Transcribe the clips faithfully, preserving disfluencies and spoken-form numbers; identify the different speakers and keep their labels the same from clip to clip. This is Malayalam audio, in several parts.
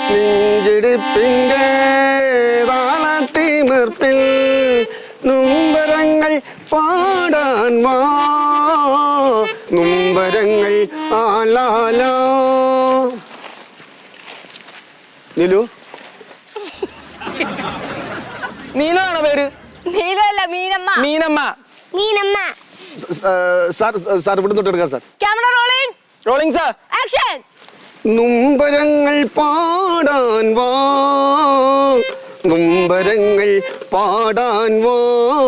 Speaker 1: നെഞ്ചിടിപ്പിന്റെ താളത്തിമിർപ്പിൽ നുംബരങ്ങൾ പാടാൻ വാ നുംബരങ്ങൾ ആലാലാ. നീലു
Speaker 2: നീലാണോ പേര്?
Speaker 3: നീലല്ല, മീനമ്മ.
Speaker 2: മീനമ്മ.
Speaker 3: മീനമ്മ.
Speaker 1: സാർ സാർ ഇവിടെ തൊട്ടെടുക്കാം sir.
Speaker 3: Camera rolling.
Speaker 2: Rolling sir.
Speaker 3: Action.
Speaker 1: നുംബരങ്ങൾ പാടാൻ വാ നുംബരങ്ങൾ പാടാൻ വാ.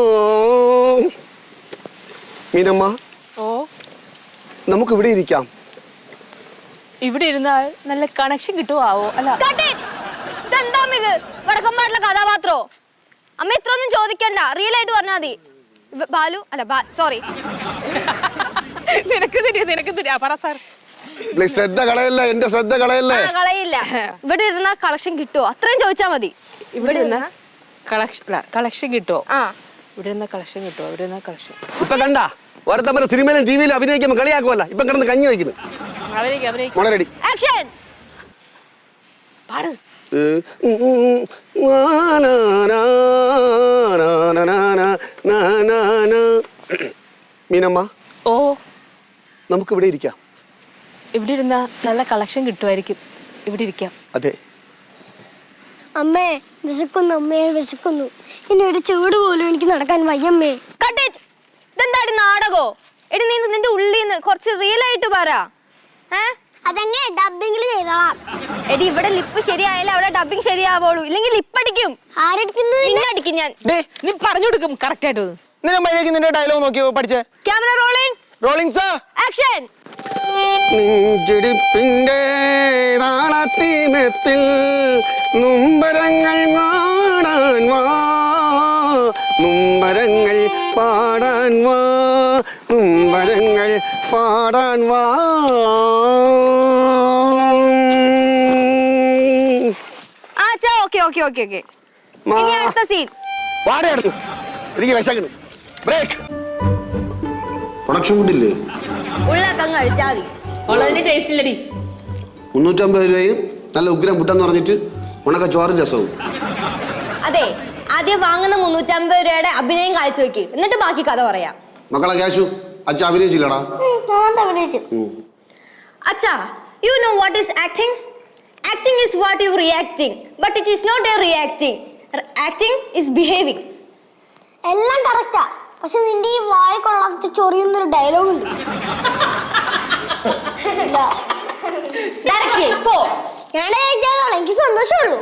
Speaker 1: മീനമ്മ,
Speaker 4: ഓ
Speaker 1: നമുക്ക് ഇവിടെ ഇരിക്കാം.
Speaker 4: ഇവിടെ ഇരുന്നാൽ നല്ല കണക്ഷൻ കിട്ടുവോ? അല്ല
Speaker 3: ഇതെന്താ ഇത്? വടക്കമ്പാട്ടിലെ കഥാപാത്രോ? അമ്മ ഇത്ര ഒന്നും ചോദിക്കണ്ട, റിയൽ ആയിട്ട് പറഞ്ഞാ മതി. ബാലു അല്ല, സോറി.
Speaker 4: നിനക്ക് തരിക നിനക്ക് തരിക പറ സാർ.
Speaker 1: ശ്രദ്ധ കളയല്ല, എന്റെ ശ്രദ്ധ കളയല്ലേ.
Speaker 3: കളയില്ല. ഇവിടെ ഇരുന്ന കളക്ഷൻ കിട്ടുവോ? അത്രയും ചോദിച്ചാ മതി.
Speaker 4: ഇവിടെ ഇരുന്ന കളക്ഷൻ കളക്ഷൻ കിട്ടുവോ?
Speaker 3: ആ,
Speaker 4: ഇവിടെ ഇരുന്ന കളക്ഷൻ കിട്ടുവോ? ഇവിടെ ഇരുന്ന കളക്ഷൻ
Speaker 1: ഇപ്പൊ കണ്ട ഓരോ സിനിമയിലും ടിവിയിലും അഭിനയിക്കുമ്പോ കളിയാക്കുമല്ല. ഇപ്പൊ കിടന്ന് കഞ്ഞി വയ്ക്കുന്നു. മോളെ
Speaker 3: ആക്ഷൻ.
Speaker 4: പാട്.
Speaker 1: മീനമ്മ,
Speaker 4: ഓ
Speaker 1: നമുക്ക് ഇവിടെ ഇരിക്കാം.
Speaker 4: ഇവിടെ ഇരുന്ന നല്ല കളക്ഷൻ കിട്ടുമായിരിക്കും. ഇവിടെ ഇരിക്കാം.
Speaker 1: അതെ.
Speaker 5: അമ്മേ വിശക്കുന്നു, അമ്മേ വിശക്കുന്നു. ഇനി ഒരു ചൂട് പോലും എനിക്ക് നടക്കാൻ വയ്യമ്മേ.
Speaker 3: ഇതെന്താടി നാടകോ? എടി നീ നിന്റെ ഉള്ളിൽ നിന്ന് കുറച്ച് റിയൽ ആയിട്ട് പറ.
Speaker 5: അതങ്ങനെ ഡബിംഗിൽ ചെയ്തോളാം.
Speaker 3: എടി ഇവിടെ ലിപ്പ് ശരിയായാലേ അവിടെ ഡബിങ് ശരിയാവുള്ളൂ. ഇല്ലെങ്കിൽ ലിപ്പ് അടിക്കും.
Speaker 5: ആരടിക്കുന്നത്?
Speaker 3: നിന്നടിക്കും ഞാൻ.
Speaker 4: നീ പറഞ്ഞു കൊടുക്കും കറക്റ്റ് ആയിട്ട്.
Speaker 2: നിന്നെ മര്യാദയ്ക്ക് നിന്റെ ഡയലോഗ് നോക്കി പഠിച്ചേ.
Speaker 3: Camera rolling.
Speaker 2: Rolling sir.
Speaker 3: Action.
Speaker 1: നെഞ്ചിടിപ്പിന്റെ താളത്തിമിർപ്പിൽ നുംബരങ്ങൾ പാടാൻ വാ നുംബരങ്ങൾ പാടാൻ വാ നുംബരങ്ങൾ പാടാൻ വാ.
Speaker 3: ആച്ചാ ഓക്കെ ഓക്കെ ഓക്കെ ഓക്കെ. ഇനി അടുത്ത സീൻ.
Speaker 1: പാടായിരുന്നു. എനിക്ക് വിശക്കുന്നു. ബ്രേക്ക്. പ്രൊഡക്ഷൻ ഫുഡില്ലേ?
Speaker 3: ഉള്ളക്കങ്ങ് കഴിച്ചാൽ മതി.
Speaker 4: വളരെ ടേസ്റ്റ് ഇല്ലടി.
Speaker 1: മുന്നൂറ്റമ്പത് രൂപയും നല്ല ഉഗ്രം പുട്ടെന്ന് പറഞ്ഞിട്ട് ഉണക്ക ചോറും രസവും.
Speaker 3: അതെ, ആദ്യം വാങ്ങുന്ന മുന്നൂറ്റമ്പത് രൂപയുടെ അഭിനയം കാഴ്ച വെക്ക്, എന്നിട്ട് ബാക്കി കഥ പറയാം.
Speaker 1: മക്കളെ ക്യാഷു അച്ഛ അഭിനയിച്ചില്ലടാ.
Speaker 3: അച്ഛാ, you know what is acting? Acting is what you reacting, but it is not a reacting. Acting is behaving.
Speaker 5: എല്ലാം കറക്റ്റാ, പക്ഷെ നിന്റെ ഈ വായ കൊള്ളാത്ത ചൊറിയുന്നൊരു ഡയലോഗ് ഉണ്ട്. ഞാൻ എനിക്ക് സന്തോഷമുള്ളൂ.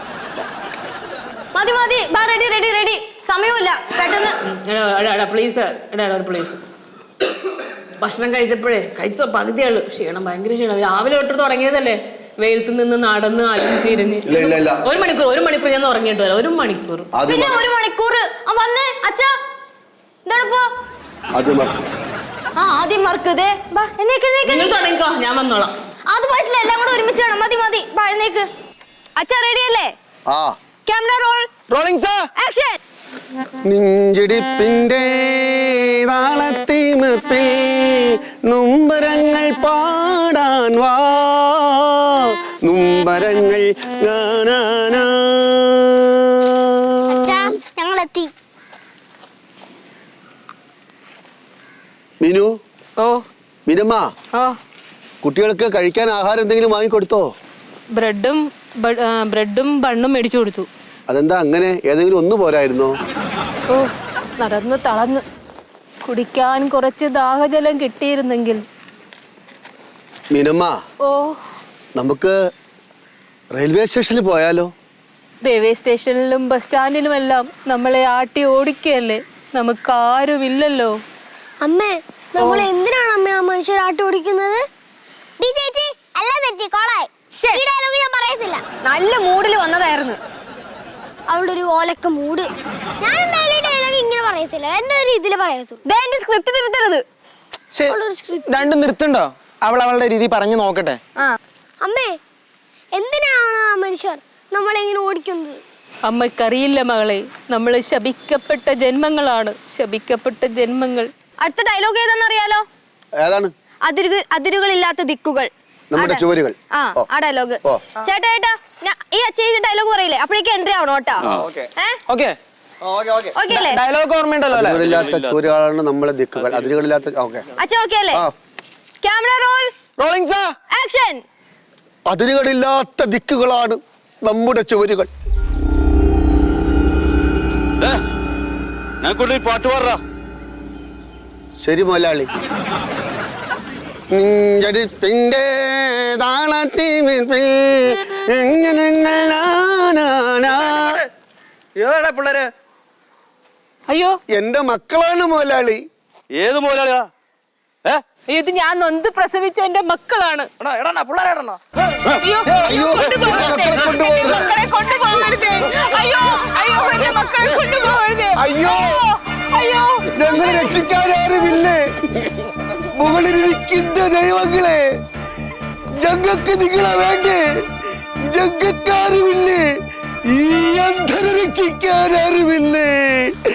Speaker 3: മതി മതി, റെഡി റെഡി റെഡി. സമയമില്ല, പെട്ടെന്ന്.
Speaker 4: Please please. ഭക്ഷണം കഴിച്ചപ്പോഴേ കഴിച്ച പകുതിയുള്ളൂ. ക്ഷീണം, ഭയങ്കര ക്ഷീണം. രാവിലെ തൊട്ട് തുടങ്ങിയതല്ലേ, വെയിലത്ത് നിന്ന് നടന്ന് അലിഞ്ഞ് തിരിഞ്ഞ്. ഒരു മണിക്കൂർ ഒരു മണിക്കൂർ ഞാൻ ഉറങ്ങിയിട്ട് വരാം. ഒരു മണിക്കൂർ
Speaker 3: പിന്നെ ഒരു മണിക്കൂർ വന്നേ. അച്ഛാ എന്താണിപ്പോ? ആ ആദ്യം മറക്കതേ.
Speaker 4: തുടങ്ങിക്കോ, ഞാൻ വന്നോളാം.
Speaker 3: അത് പറ്റില്ല, എല്ലാം കൂടെ ഒരുമിച്ച് വേണം. മതി മതി, എഴുന്നേക്ക്. അച്ഛാ റെഡി അല്ലേ? Camera roll.
Speaker 2: Rolling sir.
Speaker 3: Action.
Speaker 1: നെഞ്ചിടിപ്പിന്റെ താളത്തിമിർപ്പിൽ നുംബരങ്ങൾ പാടാൻ വാ നുംബരങ്ങൾ.
Speaker 5: ഞങ്ങളെത്തി.
Speaker 1: മീനു.
Speaker 4: ഓ
Speaker 1: മീനമ്മ,
Speaker 4: ഓ
Speaker 1: കുട്ടികൾക്ക് കഴിക്കാൻ ആഹാരം എന്തെങ്കിലും വാങ്ങിക്കൊടുത്തോ?
Speaker 4: ബ്രെഡും ബ്രെഡും ബണ്ണും മേടിച്ചു കൊടുത്തു.
Speaker 1: അതെന്താ അങ്ങനെ? ഏതെങ്കിലും ഒന്ന് പോരായിരുന്നോ?
Speaker 4: ഓ നടന്ന് തളർന്ന് കുടിക്കാൻ കുറച്ച് ദാഹജലം കിട്ടിയിരുന്നെങ്കിൽ.
Speaker 1: മീനമ്മ,
Speaker 4: ഓ
Speaker 1: നമുക്ക് റെയിൽവേ സ്റ്റേഷനിൽ പോയാലോ?
Speaker 4: റെയിൽവേ സ്റ്റേഷനിലും ബസ് സ്റ്റാൻഡിലുമെല്ലാം നമ്മളെ ആട്ടി ഓടിക്കല്ലേ, നമുക്ക് ആരുമില്ലല്ലോ.
Speaker 5: അമ്മേ, നമ്മൾ എന്തിനാണ് അമ്മ ആ മനുഷ്യർ ആട്ടി ഓടിക്കുന്നത്? ഞാൻ പറയത്തില്ല.
Speaker 3: നല്ല മൂഡിൽ വന്നതായിരുന്നു.
Speaker 5: അവളുടെ ഒരു ഓലക്ക മൂഡ്. ഞാൻ എന്തായാലും ഡയലോഗ് ഇങ്ങനെ പറയത്തില്ല, എന്റെ ഒരു ഇതിൽ പറയത്തുള്ളൂ.
Speaker 3: സ്ക്രിപ്റ്റ് തിരുത്തരുത്.
Speaker 2: രണ്ടും നിർത്തണ്ടോ? അവൾ അവളുടെ രീതി പറഞ്ഞു നോക്കട്ടെ.
Speaker 5: അമ്മേ, എന്തിനാണ് ആ മനുഷ്യർ നമ്മളെങ്ങനെ ഓടിക്കുന്നത്?
Speaker 4: അമ്മക്കറിയില്ല മകളെ, നമ്മൾ ശപിക്കപ്പെട്ട ജന്മങ്ങളാണ്, ശപിക്കപ്പെട്ട ജന്മങ്ങൾ.
Speaker 3: അടുത്ത ഡയലോഗ് ഏതാണെന്നറിയാലോ?
Speaker 1: ഏതാണ്?
Speaker 3: അതിരുകൾ അതിരുകളില്ലാത്ത ദിക്കുകൾ.
Speaker 1: നമ്മുടെ ചുവരുകൾ.
Speaker 3: ആ ആ ഡയലോഗ്. ചേട്ടാ ചേട്ടാ ഈ ചെയ്ത് ഡയലോഗ് പറയില്ലേ അപ്പോഴേക്കും എൻട്രി ആവണം കേട്ടോ
Speaker 2: ഓക്കെ
Speaker 3: ഓക്കെ അല്ലേ
Speaker 2: ഡയലോഗ് ഓർമ്മയുണ്ടല്ലോ അല്ലേ?
Speaker 1: അതിരുകളില്ലാത്ത ചോരുകളാണ് നമ്മളെ ദിക്കുകൾ. അതിരുകളില്ലാത്ത ഓക്കെ
Speaker 3: അച്ഛൻ ഓക്കെ അല്ലേ?
Speaker 1: ആ.
Speaker 3: Camera roll
Speaker 2: rolling sir
Speaker 3: action.
Speaker 1: അതിരുകളില്ലാത്ത ദിക്കുകളാണ് നമ്മുടെ ചുവരുകൾ.
Speaker 6: പാട്ട് പാടാ.
Speaker 1: ശരി മുതലാളി. നെഞ്ചടിപ്പിന്റെ താളത്തിമിർപ്പിൽ ഏതാ പിള്ളേരെ?
Speaker 4: അയ്യോ
Speaker 1: എന്റെ മക്കളാണ് മുതലാളി.
Speaker 6: ഏത് മോലാളിയാ? ഏ
Speaker 4: ഇത് ഞാൻ നൊന്ത് പ്രസവിച്ച എന്റെ മക്കളാണ്. അയ്യോ
Speaker 1: അയ്യോ,
Speaker 4: കൊണ്ടുപോകരുതേ.
Speaker 1: എന്റെ മക്കളെ കൊണ്ടുപോകരുത്.
Speaker 4: എന്റെ മക്കളെ കൊണ്ടുപോകരുതേ. അയ്യോ അയ്യോ എന്റെ മക്കളെ കൊണ്ടുപോകരുതേ.
Speaker 1: അയ്യോ
Speaker 4: അയ്യോ
Speaker 1: ഞങ്ങളെ രക്ഷിക്കാൻ ആരുമില്ലേ? മുകളിലിരിക്കുന്ന ദൈവങ്ങളെ, ഞങ്ങൾക്ക് നിങ്ങളെ വേണ്ടേ? ഞങ്ങൾക്കാരുമില്ലേ? ഈ അന്ധരെ രക്ഷിക്കാൻ ആരുമില്ലേ?